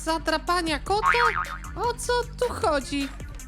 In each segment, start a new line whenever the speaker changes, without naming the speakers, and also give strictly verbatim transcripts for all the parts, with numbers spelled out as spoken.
Zadrapania kota? O co tu chodzi?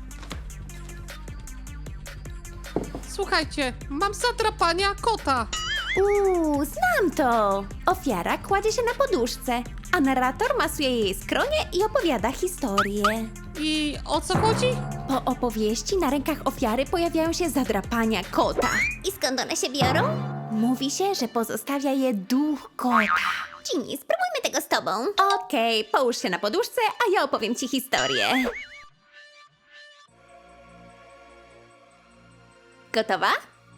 Słuchajcie, mam zadrapania kota.
Uuu, znam to! Ofiara kładzie się na poduszce, a narrator masuje jej skronie i opowiada historię.
I o co chodzi?
Po opowieści na rękach ofiary pojawiają się zadrapania kota.
I skąd one się biorą?
Mówi się, że pozostawia je duch kota.
Ginny, spróbujmy tego z tobą.
Okej, połóż się na poduszce, a ja opowiem ci historię. Gotowa?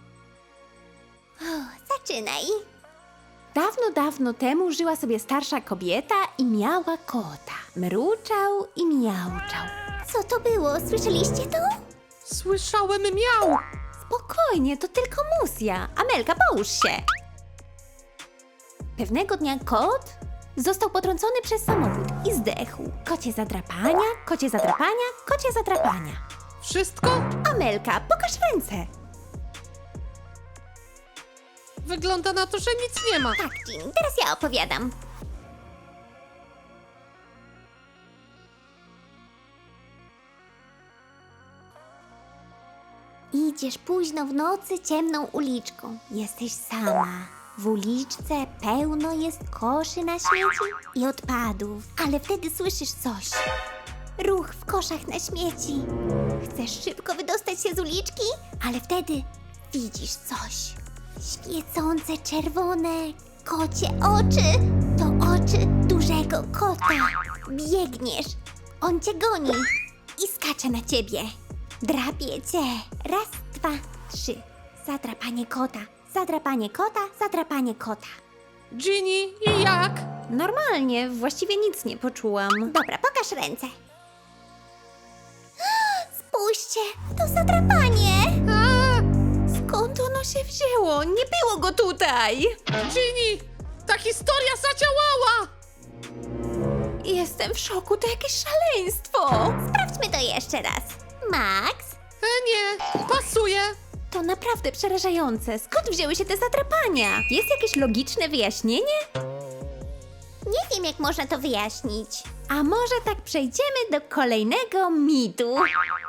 Zaczynaj.
Dawno, dawno temu żyła sobie starsza kobieta i miała kota. Mruczał i miauczał.
Co to było? Słyszeliście to?
Słyszałem miał.
Spokojnie, to tylko musja. Amelka, połóż się. Pewnego dnia kot został potrącony przez samochód i zdechł. Kocie zadrapania, kocie zadrapania, kocie zadrapania.
Wszystko?
Amelka, pokaż ręce.
Wygląda na to, że nic nie ma.
Tak, Ginny, teraz ja opowiadam. Idziesz późno w nocy ciemną uliczką. Jesteś sama. W uliczce pełno jest koszy na śmieci i odpadów. Ale wtedy słyszysz coś. Ruch w koszach na śmieci. Chcesz szybko wydostać się z uliczki, ale wtedy widzisz coś. Świecące czerwone kocie oczy. To oczy dużego kota. Biegniesz. On cię goni i skacze na ciebie. Drapie cię. Raz, dwa, trzy. Zadrapanie kota. Zadrapanie kota. Zadrapanie kota.
Ginny, i jak?
Normalnie, właściwie nic nie poczułam.
Dobra, pokaż ręce. Spójrzcie, to zadrapanie.
A,
Skąd ono się wzięło? Nie było go tutaj!
Ginny, ta historia zadziałała.
Jestem w szoku, to jakieś szaleństwo!
Sprawdźmy to jeszcze raz. Max,
E, nie, pasuje.
To naprawdę przerażające. Skąd wzięły się te zadrapania? Jest jakieś logiczne wyjaśnienie?
nie wiem jak można to wyjaśnić.
A może tak przejdziemy do kolejnego mitu?